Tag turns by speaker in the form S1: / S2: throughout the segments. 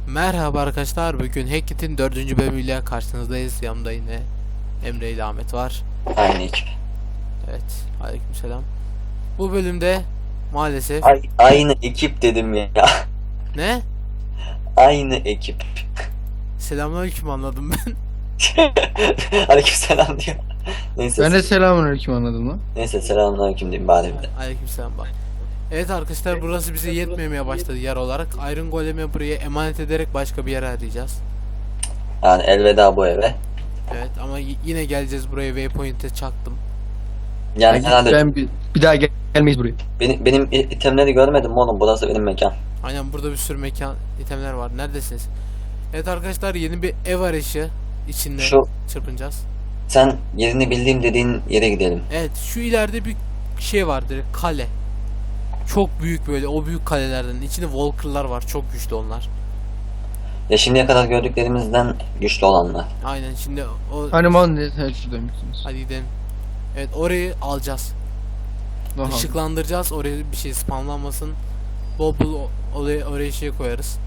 S1: Merhaba arkadaşlar, bugün Hackit'in 4. bölümüyle karşınızdayız. Yanımda yine Emre ile Ahmet var.
S2: Aynı ekip.
S1: Evet, aleykümselam. Bu bölümde maalesef...
S2: Aynı ekip dedim ya.
S1: Ne?
S2: Aynı ekip.
S1: Selamünaleyküm anladım ben.
S2: Aleykümselam diyor. Neyse.
S3: Ben de selamünaleyküm anladım lan.
S2: Neyse selamünaleyküm diyeyim bari bir de.
S1: Aleykümselam bak. Evet arkadaşlar, burası bize yetmemeye başladı yer olarak. Iron Golem'i buraya emanet ederek başka bir yer arayacağız.
S2: Yani elveda bu eve.
S1: Evet ama yine geleceğiz buraya, waypoint'e çaktım.
S2: Yani herhalde
S3: Ben bir daha gelmeyiz buraya.
S2: benim itemleri görmedim mi oğlum? Burası benim mekan.
S1: Aynen, burada bir sürü mekan, itemler var. Neredesiniz? Evet arkadaşlar, yeni bir ev arayışı içinde
S2: Şu-
S1: çırpınacağız.
S2: Sen yerini bildiğim dediğin yere gidelim.
S1: Evet, şu ileride bir şey var, direkt kale. Çok büyük, böyle o büyük kalelerden. İçinde Walker'lar var, çok güçlü onlar.
S2: Ya şimdiye kadar gördüklerimizden güçlü olanlar.
S1: Aynen, şimdi o...
S3: Hani man ne? He şuradaymışsınız.
S1: Hadi gidelim. Evet, orayı alacağız.
S3: Aha.
S1: Işıklandıracağız, oraya bir şey spamlanmasın. Bol bol oraya şey koyarız.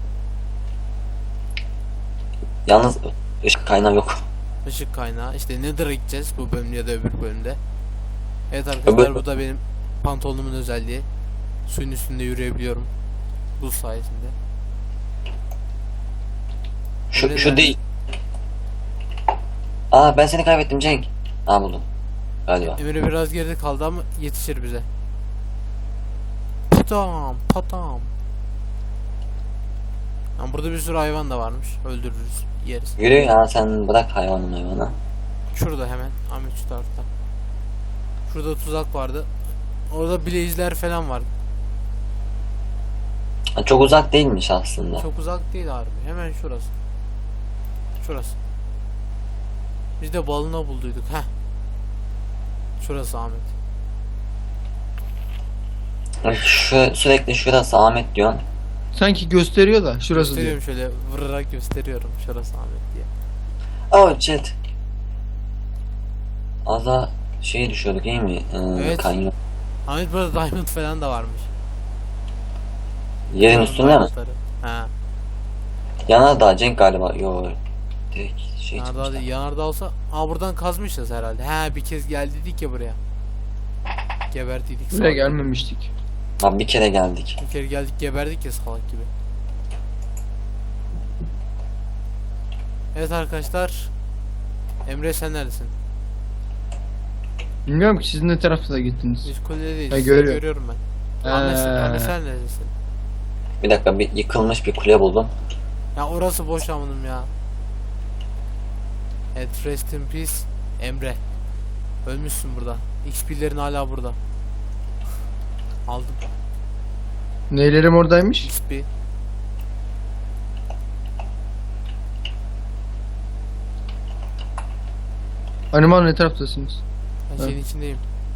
S2: Yalnız ışık kaynağı yok.
S1: Işık kaynağı. İşte Nether'a gideceğiz bu bölümde ya da öbür bölümde. Evet arkadaşlar, bu da benim pantolonumun özelliği. Suyun üstünde yürüyebiliyorum. Buz sayesinde. Öyle
S2: Şu
S1: derler.
S2: değil. Aa ben seni kaybettim Cenk. Aa buldum. Galiba.
S1: Emre biraz geride kaldı ama yetişir bize. Patam patam. Yani burada bir sürü hayvan da varmış. Öldürürüz, yeriz.
S2: Yürü ya sen bırak hayvanı.
S1: Şurada hemen Ahmet, şu tarafta. Şurada tuzak vardı. Orada blaze'ler falan var.
S2: Ha, çok uzak değilmiş aslında.
S1: Çok uzak değil harbi. Hemen şurası. Şurası. Biz de balına bulduyduk. Heh. Şurası Ahmet.
S2: Sürekli şurası Ahmet diyorsun.
S3: Sanki gösteriyor da şurası diyor.
S1: Gösteriyorum, şöyle vurarak gösteriyorum. Şurası Ahmet diye.
S2: Oh shit. Az daha şeye düşüyorduk değil mi?
S1: Evet.
S2: Kanyon.
S1: Ahmet, burada diamond falan da varmış.
S2: Yerin üstünde mi?
S1: Diamondları. Ha.
S2: Yanardağ Cenk galiba. Yo. Direkt şey
S1: Yanardağ
S2: çıkmışlar.
S1: değil. Yanardağ olsa... Aa, buradan kazmışız herhalde. Ha, bir kez geldiydik ya buraya. Geberdiydik.
S3: Buraya gelmemiştik.
S2: Abi bir kere geldik.
S1: Bir kere geldik, geberdik ya salak gibi. Evet arkadaşlar. Emre, sen neredesin?
S3: Bilmiyorum ki siz ne tarafta da gittiniz.
S1: Biz kuledeyiz.
S3: Ha,
S1: Seni
S3: görüyorum.
S1: görüyorum ben. Ahmet, sen neredesin?
S2: Bir dakika bir yıkılmış bir kule buldum.
S1: Ya orası boş amınım ya. Evet, rest in peace Emre. Ölmüşsün burada. XP'lerin hala burada. Aldım
S3: Neylerim oradaymış?
S1: XP.
S3: Hani man ne taraftasınız?
S1: Ben
S3: Ha.
S1: şeyin içindeyim.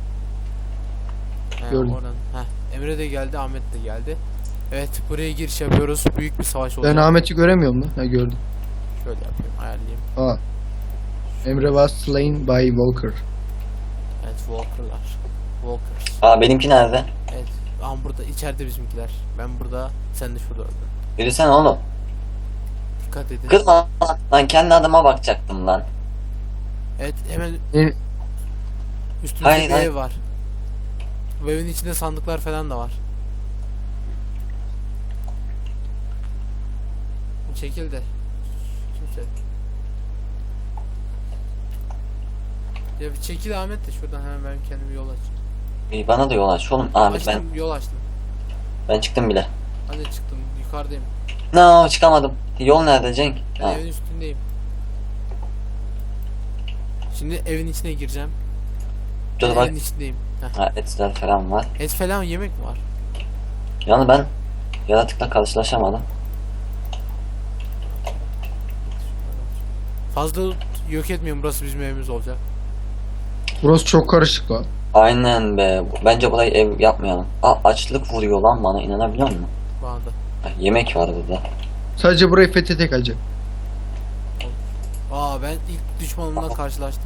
S1: He,
S3: Gördüm.
S1: oradan. Heh. Emre de geldi, Ahmet de geldi. Evet, buraya giriş yapıyoruz. Büyük bir savaş
S3: Ben
S1: olacak.
S3: Ahmet'i göremiyorum lan. Ha gördüm.
S1: Şöyle yapayım, ayarlayayım.
S3: Aa. Emre was slain by Walker.
S1: Evet, Walker'lar. Walkers.
S2: Aa benimki nerede?
S1: Evet. Ama burada içeride bizimkiler. Ben burada, sen de şurada öldün.
S2: Yürüsene oğlum.
S1: Dikkat edin.
S2: Kırma lan kendi adıma bakacaktım lan.
S1: Evet, hemen
S3: Ne-
S1: üstümüzde
S2: Hayır,
S1: bir
S2: hayır.
S1: ev var. Bu evin içinde sandıklar falan da var. Çekil de. Kimse. Ya bir çekil Ahmet de şuradan, hemen ben kendime yol açayım.
S2: İyi, bana da yol aç oğlum. Ahmet
S1: Açtım, yol açtım.
S2: ben çıktım bile.
S1: Hadi çıktım, yukarıdayım.
S2: No çıkamadım. Yol nerede Cenk?
S1: Ben
S2: Ha.
S1: evin üstündeyim. Şimdi evin içine gireceğim.
S2: Dur
S1: Ben
S2: bak.
S1: evin içindeyim. Heh.
S2: Ha, etler falan var.
S1: Et falan, yemek mi var?
S2: Yani ben yaratıkla karşılaşamadım.
S1: Fazla yok etmiyorum, burası bizim evimiz olacak.
S3: Burası çok karışık lan.
S2: Aynen be. Bence burayı ev yapmayalım. Aa açlık vuruyor lan bana, inanabiliyor musun?
S1: Bana da.
S2: Ha, yemek var burada.
S3: Sadece burayı fethedecek acı.
S1: Aa, ben ilk düşmanımla karşılaştım.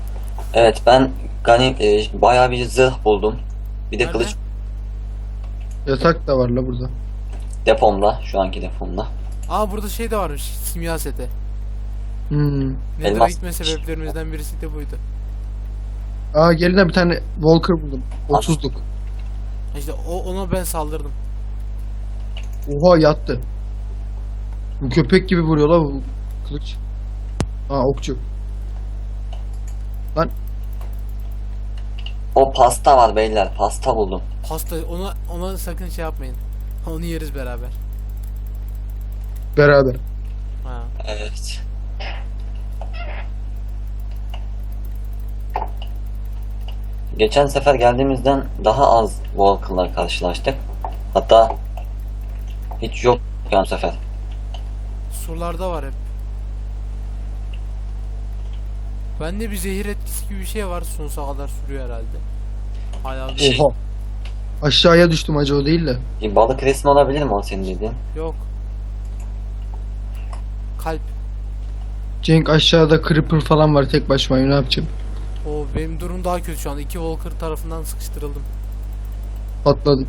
S2: Evet ben bayağı bir zırh buldum. Bir de
S1: Nerede?
S2: kılıç.
S3: Yatak da var la burada.
S2: Depomda. Şu anki depomda.
S1: Aa burada şey de varmış. Simya seti. Nether'a
S2: Elmas.
S1: gitme sebeplerimizden birisi de buydu.
S3: Aa gelin de bir tane Walker buldum. 30'luk.
S1: İşte ona ben saldırdım.
S3: Oha yattı. Bu köpek gibi vuruyor la bu kılıç. Aa okçu. Lan
S2: O pasta var beyler. Pasta buldum.
S1: Pasta ona sakın şey yapmayın. Onu yeriz beraber.
S3: beraber.
S1: Ha.
S2: Evet. Geçen sefer geldiğimizden daha az Walker'la karşılaştık. Hatta hiç yok yani sefer.
S1: Surlarda var hep. Bende bir zehir etkisi gibi bir şey var. Sonsuza kadar sürüyor herhalde. Hala
S2: Şey-
S3: Oha. Aşağıya düştüm acı o değil de.
S2: Bir balık resmi olabilir mi o senin dediğin?
S1: yok. Kalp.
S3: Cenk aşağıda creeper falan var tek başıma ne yapacağım?
S1: O benim durum daha kötü şu an. 2 Walker tarafından sıkıştırıldım.
S3: Patladım.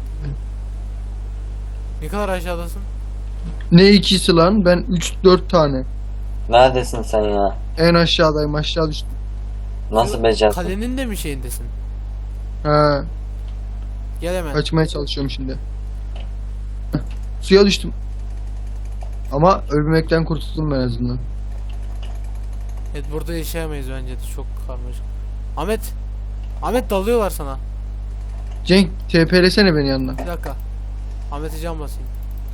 S1: Ne kadar aşağıdasın?
S3: Ne ikisi lan? Ben 3-4 tane.
S2: Neredesin sen ya?
S3: En aşağıdayım aşağı düştüm.
S2: Nasıl becerdin?
S1: Kalenin de mi şeyindesin?
S3: Ha,
S1: Gel hemen.
S3: kaçmaya çalışıyorum şimdi. Heh, suya düştüm. Ama ölmekten kurtuldum en azından.
S1: Evet burada yaşayamayız bence de. Çok karmaşık. Ahmet. Ahmet dalıyorlar sana.
S3: Cenk TP'lesene beni yanına.
S1: Bir dakika. Ahmet'e can basayım.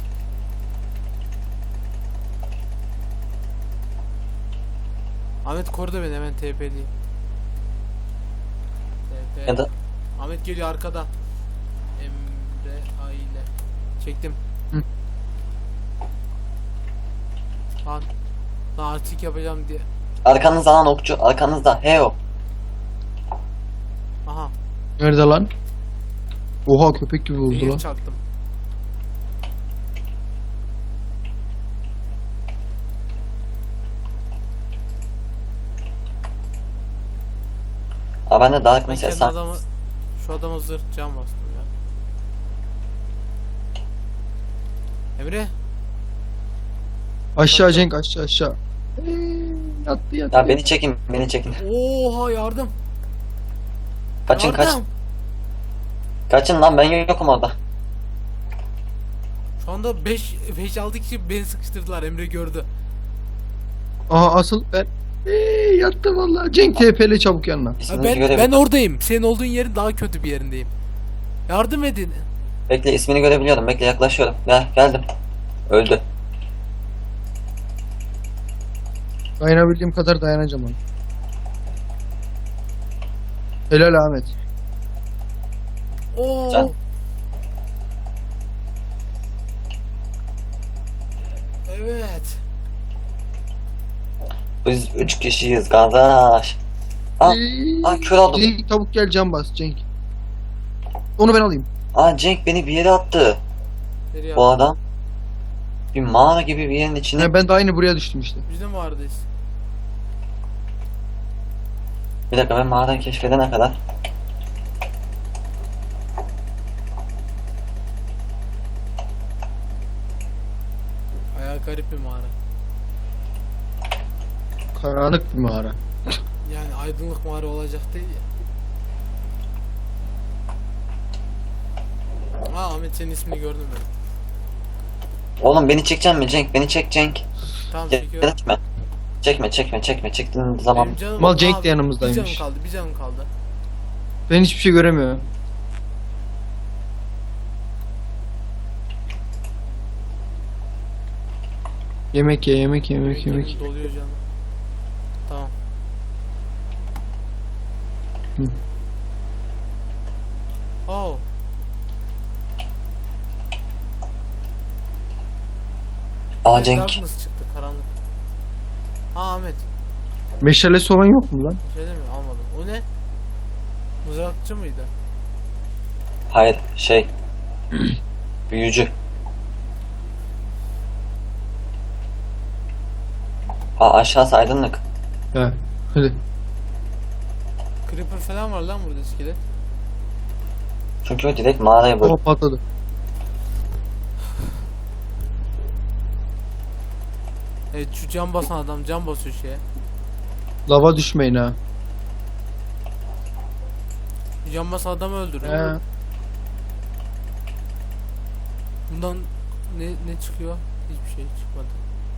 S1: Ahmet koru da beni hemen TP'liyim. TP.
S2: Ya da
S1: Ahmet geliyor arkada. Emre aile. Çektim.
S3: Hı.
S1: Lan artık yapacağım diye.
S2: arkanızda lan okçu. Arkanızda. Heo.
S1: Aha.
S3: Nerede lan? Oha köpek gibi oldu
S1: Zehir
S3: lan.
S1: çaktım.
S2: Aa ben de Dark
S1: Ben
S2: mesela
S1: kendi
S2: sen.
S1: adamı, şu adama zırh can bastım ya. Emre.
S3: Aşağı Cenk aşağı aşağı. Yattı yattı.
S2: Ya beni çekin. Beni çekin.
S1: Oha yardım.
S2: Kaçın kaç.
S1: Yardım.
S2: Kaçın lan ben yokum orada.
S1: Şu anda 5-6 kişi beni sıkıştırdılar. Emre gördü.
S3: Aha asıl ben. Yattı vallahi. Cenk TP'le çabuk yanına.
S1: Ha,
S2: İsminizi
S1: ben
S2: görebiliyorum.
S1: oradayım. Senin olduğun yerin daha kötü bir yerindeyim. Yardım edin.
S2: Bekle ismini görebiliyorum. Bekle yaklaşıyorum. Gel geldim. Öldü.
S3: Dayanabildiğim kadar dayanacağım ona. Helal Ahmet.
S1: Oo.
S2: Can.
S1: Evet.
S2: Biz 3 kişiyiz kardeş. Aa kör oldum.
S3: Cenk tavuk gel can bas Cenk. Onu ben alayım.
S2: Aa Cenk beni bir yere attı.
S1: Nereye
S2: Bu
S1: attın?
S2: adam. Bir mağara gibi bir yerin içine.
S3: Ha, ben de aynı buraya düştüm işte.
S1: Biz de mi vardayız?
S2: Bir dakika ben mağarayı keşfedene kadar.
S1: Bayağı garip bir mağara.
S3: Karanlık bir mağara.
S1: Yani aydınlık mağara olacak değil ya. Aa Ahmet senin ismini gördüm ben.
S2: Oğlum beni çekeceksin mi Cenk? Beni çek Cenk.
S1: Tamam çekiyorum.
S2: Çekme. Çekme. Çektiğin zaman
S1: Benim canım,
S3: Mal Cenk de
S1: Bir
S3: yanımızdaymış.
S1: canım kaldı, bir canım kaldı.
S3: Ben hiçbir şey göremiyorum. Yemek ye yemek yemek yemek.
S1: Doluyor canım. Tamam.
S3: Hı.
S1: Oh.
S2: Aa Cenk.
S1: Darkness çıktı karanlık. Ha Ahmet.
S3: Meşalesi olan yok mu lan?
S1: Bir şey demiyor almadım. O ne? Mızrakçı mıydı?
S2: Hayır büyücü. Aa aşağısı aydınlık.
S3: He. Hadi.
S1: Creeper falan var lan burada iskelet.
S2: Çünkü o direkt mağaraya böyle.
S3: Oha patladı.
S1: Evet, şu cam basan adam cam basıyor şeye.
S3: Lava düşmeyin ha.
S1: Şu cam basan adamı öldürün.
S3: He.
S1: Bundan ne çıkıyor? Hiçbir şey çıkmadı.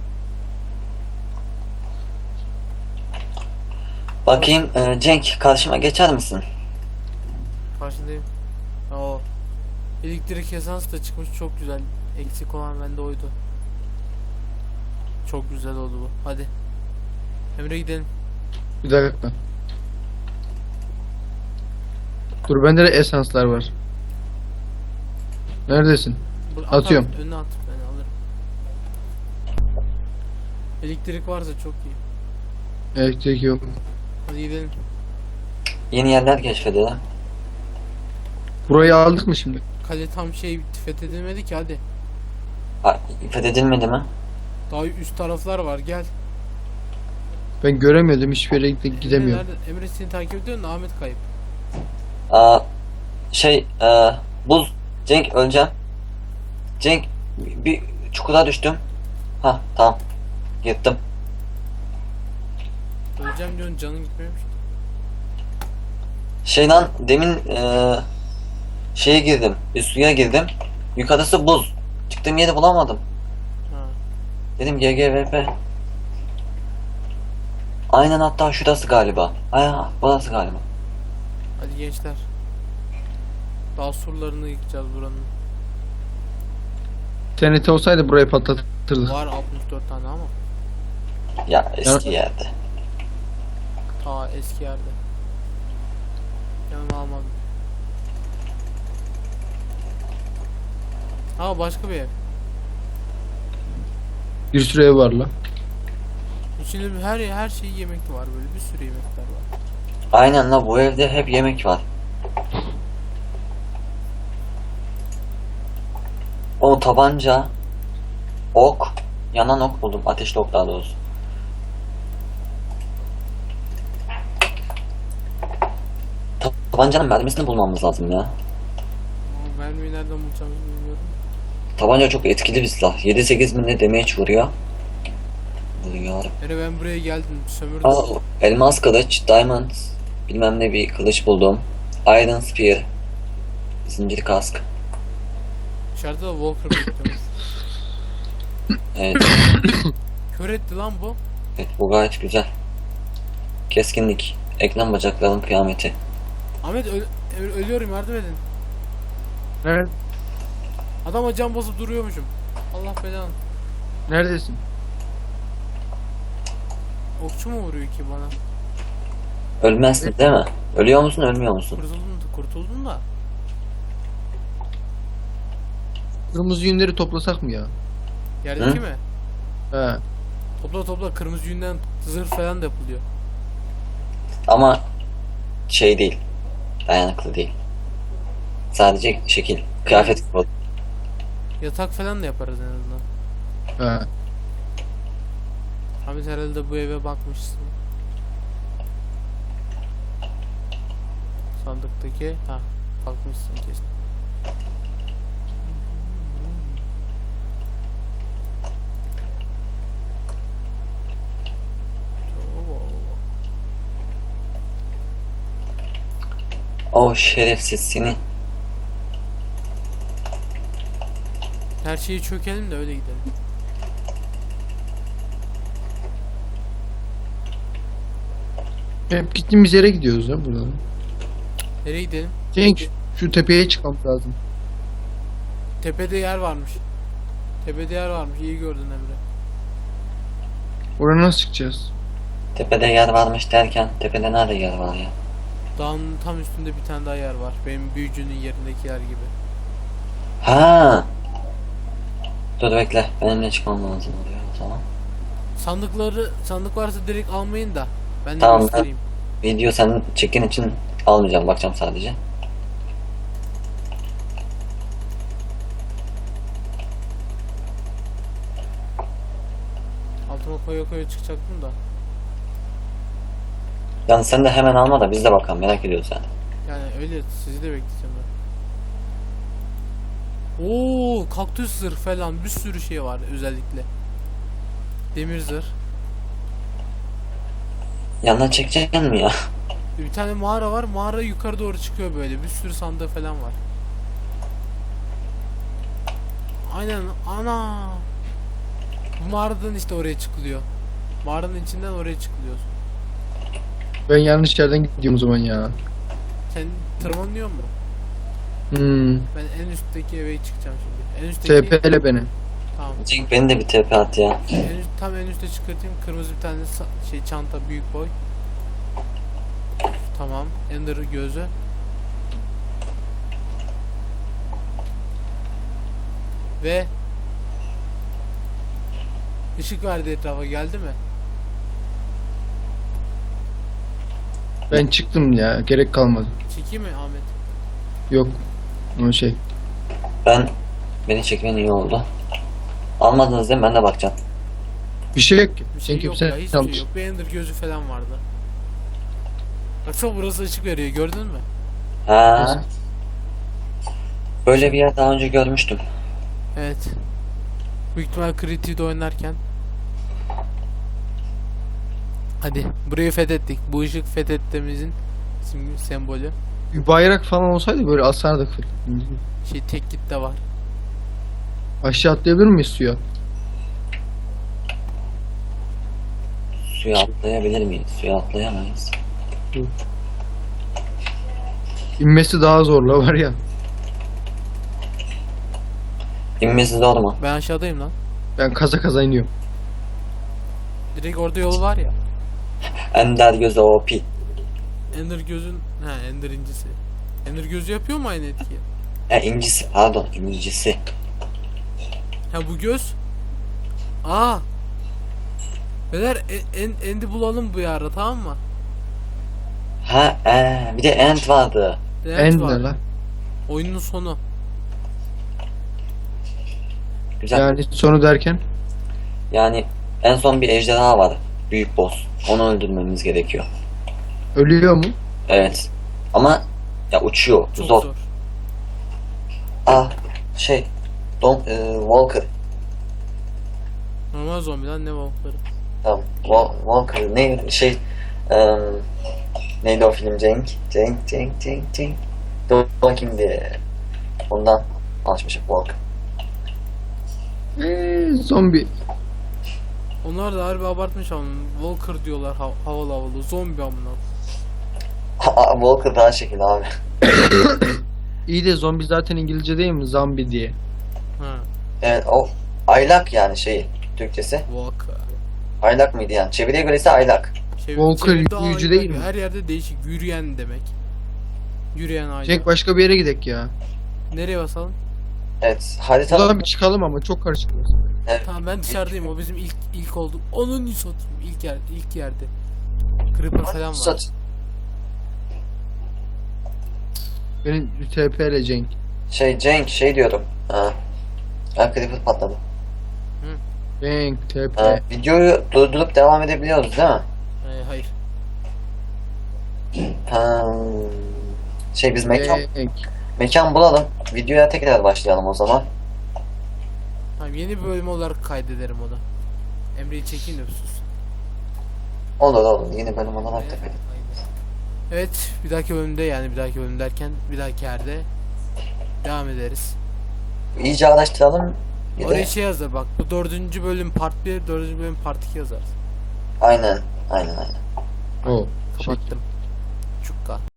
S2: Bakayım Cenk, karşıma geçer misin?
S1: Karşındayım. O elektrik esans da çıkmış, çok güzel. Eksik olan bende oydu. Çok güzel oldu bu. Hadi. Emre gidelim.
S3: Bir dakika. Dur bende de esanslar var. Neredesin? Atıyorum.
S1: Önüne at, ben alırım. Elektrik varsa çok iyi.
S3: Elektrik yok.
S1: Hadi gidelim.
S2: Yeni yerler keşfedelim.
S3: Burayı aldık mı şimdi?
S1: Kale tam fethedilmedi ki, hadi.
S2: Fethedilmedi mi?
S1: Daha üst taraflar var, gel.
S3: Ben göremiyordum, hiçbir yere gidemiyorum.
S1: Emre seni takip ediyor da Ahmet kayıp.
S2: Aa, buz. Cenk, öleceğim. Cenk, bir çukura düştüm. Ha, tamam. Yırttım.
S1: Öleceğim diyorsun, canın gitmiyormuş.
S2: Şeyden demin şeye girdim. Bir suya girdim. Yukarısı buz. Çıktığım yeri bulamadım.
S1: Ha.
S2: Dedim GGVP. Aynen, hatta şurası galiba. Aynen, burası galiba.
S1: Hadi gençler. Daha surlarını yıkacağız buranın.
S3: TNT olsaydı burayı patlatırdık.
S1: Var 64 tane ama.
S2: Ya eski yerde.
S1: Ta eski yerde. Yanıma almadım. Ha, başka bir ev.
S3: Bir sürü ev var la.
S1: İçinde her şey yemek var, böyle bir sürü yemekler var.
S2: Aynen la, bu evde hep yemek var. O tabanca, ok, yanan ok buldum. Ateşli ok daha doğrusu. Tabancanın mermisini bulmamız lazım ya.
S1: Ama mermiyi nereden bulacağımızı bilmiyorum.
S2: Tabanca çok etkili bir silah. 7-8 mi ne damage vuruyor. Vuruyor.
S1: Ben buraya geldim, sömürdüm.
S2: Aa, elmas kılıç, diamond, bilmem ne bir kılıç buldum. Iron spear, zincir kask.
S1: Dışarıda da Walker bekliyoruz.
S2: Evet,
S1: Kör etti lan bu.
S2: evet, bu gayet güzel. Keskinlik, eklem bacakların kıyameti.
S1: Ahmet ölüyorum, yardım edin.
S3: Nerede?
S1: Adama cam basıp duruyormuşum. Allah belanı.
S3: Neredesin?
S1: Okçu mu vuruyor ki bana?
S2: Ölmezsin değil mi? Ölüyor musun, ölmüyor musun?
S1: Kurtuldun da.
S3: Kırmızı yünleri toplasak mı ya?
S1: Yerdeki
S2: Hı?
S1: mi?
S3: He.
S1: Topla, kırmızı yünden zırh falan da yapılıyor.
S2: Ama şey değil, dayanıklı değil. Sadece şekil, kıyafet gibi.
S1: Yatak falan da yaparız en azından.
S3: He.
S1: Ahmet herhalde bu eve bakmışsın. Sandıktaki, bakmışsın kesin.
S2: O şerefsiz seni.
S1: Her şeyi çökelim de öyle gidelim.
S3: Hep gittiğimiz yere gidiyoruz ya buradan.
S1: Nereye gidelim?
S3: Cenk, şu tepeye çıkmamız lazım.
S1: Tepede yer varmış. Tepede yer varmış. İyi gördün Emre.
S3: Oraya nasıl çıkacağız?
S2: Tepede yer varmış derken, tepede nerede yer var ya?
S1: Dağın tam üstünde bir tane daha yer var. Benim büyücünün yerindeki yer gibi.
S2: Ha. Dur bekle, benimle çıkmam lazım oluyor o zaman.
S1: Sandık varsa direkt almayın da. Ben de
S2: Tamam,
S1: göstereyim.
S2: Video sen çekin için almayacağım, bakacağım sadece.
S1: Altıma koya çıkacaktım da.
S2: Yani sen de hemen alma da biz de bakalım, merak ediyoruz yani.
S1: Yani öyle, sizi de bekleyeceğim ben. Oo, kaktüs zırh falan bir sürü şey var özellikle. Demir zırh.
S2: Yanına çekeceksin mi ya?
S1: Bir tane mağara var. Mağara yukarı doğru çıkıyor böyle. Bir sürü sandığı falan var. Aynen. Ana. Bu mağaradan işte oraya çıkılıyor. Mağaranın içinden oraya çıkılıyor.
S3: Ben yanlış yerden gidiyorum o zaman ya.
S1: Sen tırmanıyor mu?
S3: Hmm.
S1: Ben en üstteki eve çıkacağım şimdi. En üstteki.
S3: TP'le beni.
S1: Tamam.
S2: Cenk beni de bir TP at ya.
S1: Tam en üstte çıkartayım. Kırmızı bir tane şey çanta, büyük boy. Tamam. Ender gözü. Ve ışık verdi etrafa, geldi mi?
S3: Ben çıktım ya. Gerek kalmadı.
S1: Çekeyim mi Ahmet?
S3: Yok. O şey.
S2: Beni çekmen iyi oldu. Almadınız değil mi? Ben de bakacağım.
S3: Bir şey yok ki.
S1: Bir şey
S3: Sen
S1: yok
S3: kimse
S1: ya, hiçbir şey yok. Bir Ender gözü falan vardı. Baksana burası ışık veriyor, gördün mü?
S2: Ha. Böyle bir yer daha önce görmüştüm.
S1: Evet. Büyük ihtimal Creed'de oynarken. Hadi burayı fethettik. Bu ışık fethettiğimizin sembolü.
S3: Bir bayrak falan olsaydı böyle asardık.
S1: Şey, tek git de var.
S3: Aşağı atlayabilir miyiz suya?
S2: Suya atlayabilir miyiz? Suya atlayamayız.
S3: İnmesi daha zorla var ya.
S2: İnmesi zor mu?
S1: Ben aşağıdayım lan.
S3: Ben kaza kaza iniyorum.
S1: Direkt orada yol var ya.
S2: Ender gözü OP.
S1: Ender gözün, Ender incisi. Ender gözü yapıyor mu aynı etkiyi?
S2: İncisi pardon, incisi.
S1: Ha, bu göz. Aa. Beyler End'i bulalım bu ara, tamam mı?
S2: Ha bir de end vardı.
S3: En
S1: var.
S3: ne lan?
S1: Oyunun sonu.
S2: Güzel.
S3: Yani sonu derken.
S2: Yani en son bir ejderha var. Büyük boss. Onu öldürmemiz gerekiyor.
S3: Ölüyor mu?
S2: Evet. Ama ya uçuyor.
S1: Çok
S2: Zor.
S1: zor.
S2: Şey. Walker.
S1: Normal zombiden ne balıkları.
S2: Tamam. Walker. Ne şey. Neydi o film? Cenk. Dur bakayım diye. Ondan açmışım Walker.
S3: Zombi.
S1: Onlar da harbi abartmış ama Walker diyorlar, havalı havalı. Zombi amına.
S2: Walker daha şekil abi.
S3: İyi de zombi zaten İngilizce değil mi? Zombie diye.
S1: Ha.
S2: Evet o aylak yani şeyi. Türkçesi.
S1: Walker.
S2: Aylak mıydı yani? Çeviriye göre ise aylak.
S3: Walker
S1: çeviride
S3: yürüyücü
S1: ayrı-
S3: değil mi?
S1: Her yerde değişik. Yürüyen demek. Yürüyen aile.
S3: Cenk başka bir yere gidek ya.
S1: Nereye basalım?
S2: Evet. Haritada
S3: Buradan bir çıkalım ama çok karışık.
S1: Tamam, ben dışarıdayım. O bizim ilk oldu. Onun satayım. İlk yerde. Creeper falan var.
S2: Sat.
S3: Benim TP ile Cenk.
S2: Cenk şey diyorum. Creeper patladı.
S3: Cenk TP.
S2: Videoyu durdurup devam edebiliyoruz değil mi?
S1: Hayır.
S2: Biz
S3: Cenk.
S2: mekan bulalım. Videoya tekrar başlayalım o zaman.
S1: Tamam, yeni bir bölüm olarak kaydederim onu. Emre'yi çekeyim de sus.
S2: Olur. Yeni bölüm olarak da kaydet.
S1: Evet, bir dahaki bölümde, yani bir dahaki bölüm derken bir dahaki yerde devam ederiz.
S2: İyice araştıralım. Bir
S1: Oraya
S2: de
S1: şey yazar bak, bu 4. bölüm part 1, 4. bölüm part 2 yazar.
S2: aynen.
S3: O.
S1: Kapattım.